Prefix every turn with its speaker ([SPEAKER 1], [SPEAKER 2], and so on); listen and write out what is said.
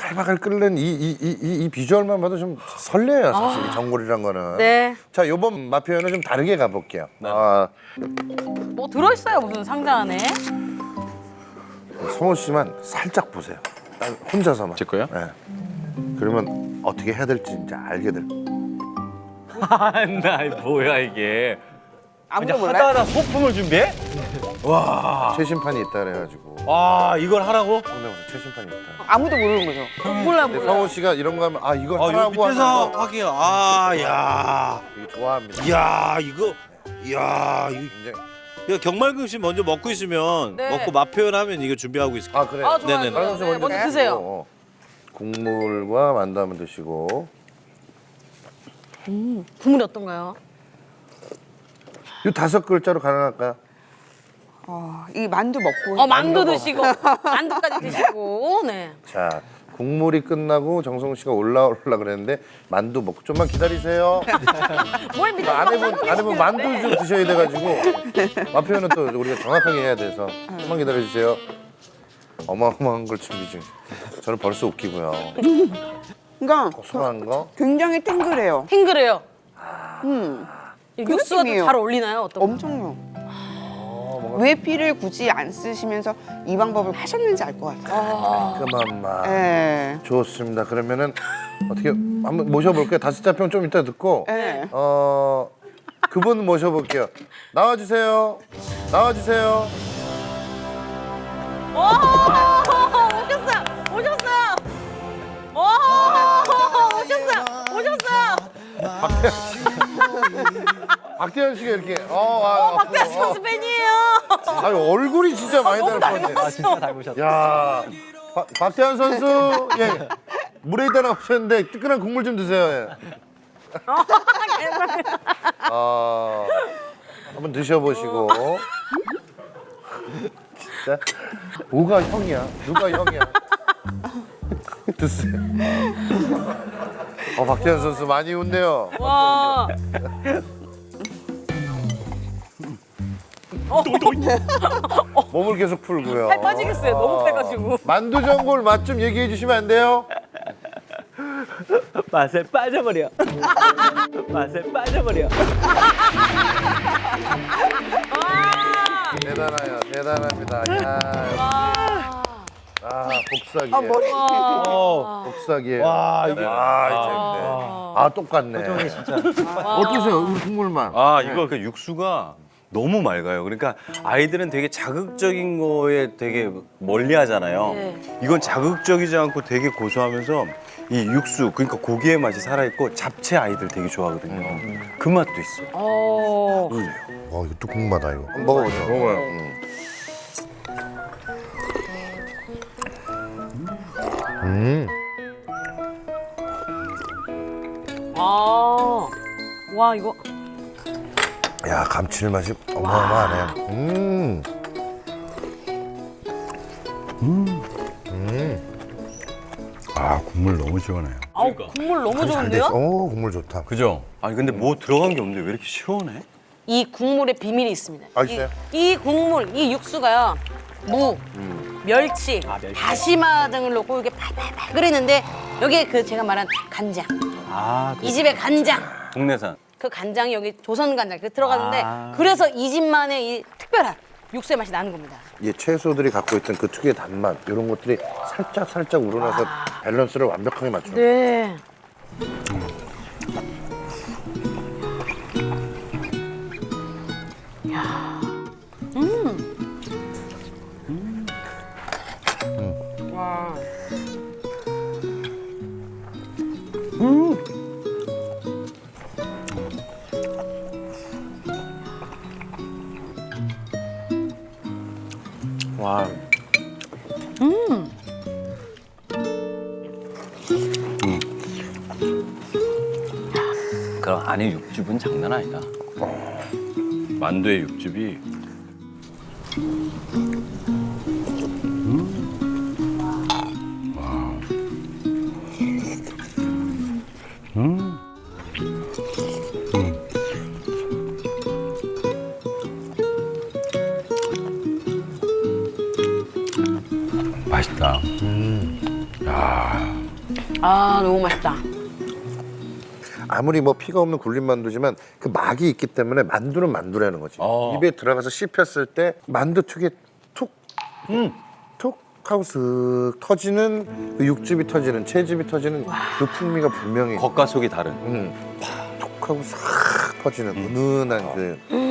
[SPEAKER 1] 팔박을 끓는 이 비주얼만 봐도 좀 설레요, 사실 이 전골이란 거는.
[SPEAKER 2] 네.
[SPEAKER 1] 자, 요번 맛 표현은 좀 다르게 가볼게요.
[SPEAKER 2] 뭐 들어있어요 무슨 상자 안에?
[SPEAKER 1] 성호 씨만 살짝 보세요. 딱 혼자서만.
[SPEAKER 3] 제 거요?
[SPEAKER 1] 네. 그러면 어떻게 해야 될지 이제 알게 될 거예요.
[SPEAKER 3] 나 뭐야 이게?
[SPEAKER 4] 아무도 몰라요?
[SPEAKER 3] 하다하다 소품을 준비해?
[SPEAKER 1] 최심판이 있다 그래가지고.
[SPEAKER 3] 와 이걸 하라고?
[SPEAKER 1] 성대모사 최심판이 있다.
[SPEAKER 4] 아무도 모르는 거죠.
[SPEAKER 2] 몰라
[SPEAKER 1] 근데
[SPEAKER 2] 몰라.
[SPEAKER 1] 성호 씨가 이런 거 하면 아 이거
[SPEAKER 5] 아,
[SPEAKER 1] 하라고
[SPEAKER 5] 요 밑에서
[SPEAKER 1] 하면서
[SPEAKER 5] 하기야. 아, 야.
[SPEAKER 1] 되게 좋아합니다.
[SPEAKER 5] 야, 이거. 야, 이거.
[SPEAKER 1] 굉장히.
[SPEAKER 5] 야, 경말금씨 먼저 먹고 있으면
[SPEAKER 2] 네.
[SPEAKER 5] 먹고 맛 표현하면 이게 준비하고 있을게.
[SPEAKER 1] 아 그래요?
[SPEAKER 2] 아 좋아요.
[SPEAKER 5] 네네네.
[SPEAKER 2] 좋아요. 네, 먼저 드세요.
[SPEAKER 1] 국물과 만두 한번 드시고.
[SPEAKER 2] 국물이 어떤가요?
[SPEAKER 1] 이 5글자로 가능할까요?
[SPEAKER 4] 이 만두 먹고.
[SPEAKER 2] 만두 드시고 만두까지 드시고 네.
[SPEAKER 1] 자, 국물이 끝나고 정성 씨가 올라오려 그랬는데 만두 먹고 좀만 기다리세요.
[SPEAKER 2] 뭘 믿어?
[SPEAKER 1] 아내분 만두 좀 드셔야 돼가지고 맛 표현은 또 우리가 정확하게 해야 돼서 좀만 기다려주세요. 어마어마한 걸 준비 중. 저는 벌써 웃기고요.
[SPEAKER 4] 그러니까
[SPEAKER 1] 고소한 거.
[SPEAKER 4] 굉장히 탱글해요.
[SPEAKER 2] 탱글해요. 이
[SPEAKER 4] 그
[SPEAKER 2] 육수가
[SPEAKER 4] 느낌이에요.
[SPEAKER 2] 좀 잘 어울리나요? 어떤?
[SPEAKER 4] 엄청요. 왜 피를 굳이 안 쓰시면서 이 방법을 하셨는지 알 것 같아요.
[SPEAKER 1] 깔끔한 맛.
[SPEAKER 4] 예.
[SPEAKER 1] 좋습니다. 그러면은 어떻게 한번 모셔볼게요. 5자평 좀 이따 듣고
[SPEAKER 4] 예.
[SPEAKER 1] 그분 모셔볼게요. 나와주세요. 나와주세요.
[SPEAKER 2] 오 오셨어요. 오셨어요. 오 오셨어요. 오셨어요.
[SPEAKER 1] 박태현 씨가 이렇게
[SPEAKER 2] 박태환 선수 팬이에요.
[SPEAKER 1] 아유 얼굴이 진짜 많이 닮았네.
[SPEAKER 3] 아 진짜 닮으셨다.
[SPEAKER 1] 야, 박태환 선수 예 물에 있다 나오셨는데 뜨끈한 국물 좀 드세요. 예. 한번 드셔보시고. 진짜 뭐가 형이야? 누가 형이야? 드세요. 박태환 선수 많이 웃네요.
[SPEAKER 2] 와.
[SPEAKER 1] 몸을 계속 풀고요.
[SPEAKER 2] 팔 빠지겠어요. 너무 빼가지고.
[SPEAKER 1] 만두 전골 맛 좀 얘기해 주시면 안 돼요?
[SPEAKER 3] 맛에 빠져버려. 맛에 빠져버려.
[SPEAKER 1] 대단해요. 대단합니다. 야, 복사기.
[SPEAKER 4] 머리.
[SPEAKER 1] 복사기예요.
[SPEAKER 5] 와, 이게.
[SPEAKER 1] 이제 똑같네.
[SPEAKER 3] 진짜.
[SPEAKER 1] 어떠세요? 우리 국물만.
[SPEAKER 3] 이거 그 육수가 너무 맑아요. 그러니까 아이들은 되게 자극적인 거에 되게 멀리 하잖아요.
[SPEAKER 2] 네.
[SPEAKER 3] 이건 자극적이지 않고 되게 고소하면서 이 육수, 그러니까 고기의 맛이 살아있고 잡채 아이들 되게 좋아하거든요. 그 맛도 있어요.
[SPEAKER 1] 이것도 궁금하다 이거. 한번 먹어보죠. 먹어요.
[SPEAKER 2] 와 이거.
[SPEAKER 1] 야, 감칠맛이 어마어마하네.
[SPEAKER 5] 아, 국물 너무 시원해요.
[SPEAKER 2] 아우 국물 너무
[SPEAKER 1] 잘
[SPEAKER 2] 좋은데요?
[SPEAKER 1] 됐어. 국물 좋다.
[SPEAKER 3] 그죠? 아니 근데 뭐 들어간 게 없는데 왜 이렇게 시원해?
[SPEAKER 2] 이 국물에 비밀이 있습니다.
[SPEAKER 1] 있어요?
[SPEAKER 2] 이 국물, 이 육수가요. 무, 멸치, 다시마 등을 넣고 이렇게 팔팔팔 끓이는데 여기에 그 제가 말한 간장. 이 집의 간장.
[SPEAKER 3] 국내산.
[SPEAKER 2] 그 간장이 여기 조선 간장 그 들어가는데 그래서 이 집만의 이 특별한 육수의 맛이 나는 겁니다.
[SPEAKER 1] 이 채소들이 갖고 있던 그 특유의 단맛 이런 것들이 살짝 우러나서 밸런스를 완벽하게 맞춰.
[SPEAKER 2] 네. 와.
[SPEAKER 3] 와. 그럼 안에 육즙은 장난 아니다. 만두의 육즙이.
[SPEAKER 5] 맛있다. 야.
[SPEAKER 2] 아 너무 맛있다.
[SPEAKER 1] 아무리 뭐 피가 없는 굴린 만두지만 그 막이 있기 때문에 만두는 만두라는 거지. 입에 들어가서 씹혔을 때 만두 특유의 툭 하고 슥 터지는 그 육즙이 터지는 채즙이 터지는 그 풍미가 분명히
[SPEAKER 3] 겉과 속이 다른.
[SPEAKER 1] 툭 하고 싹 터지는 은은한 그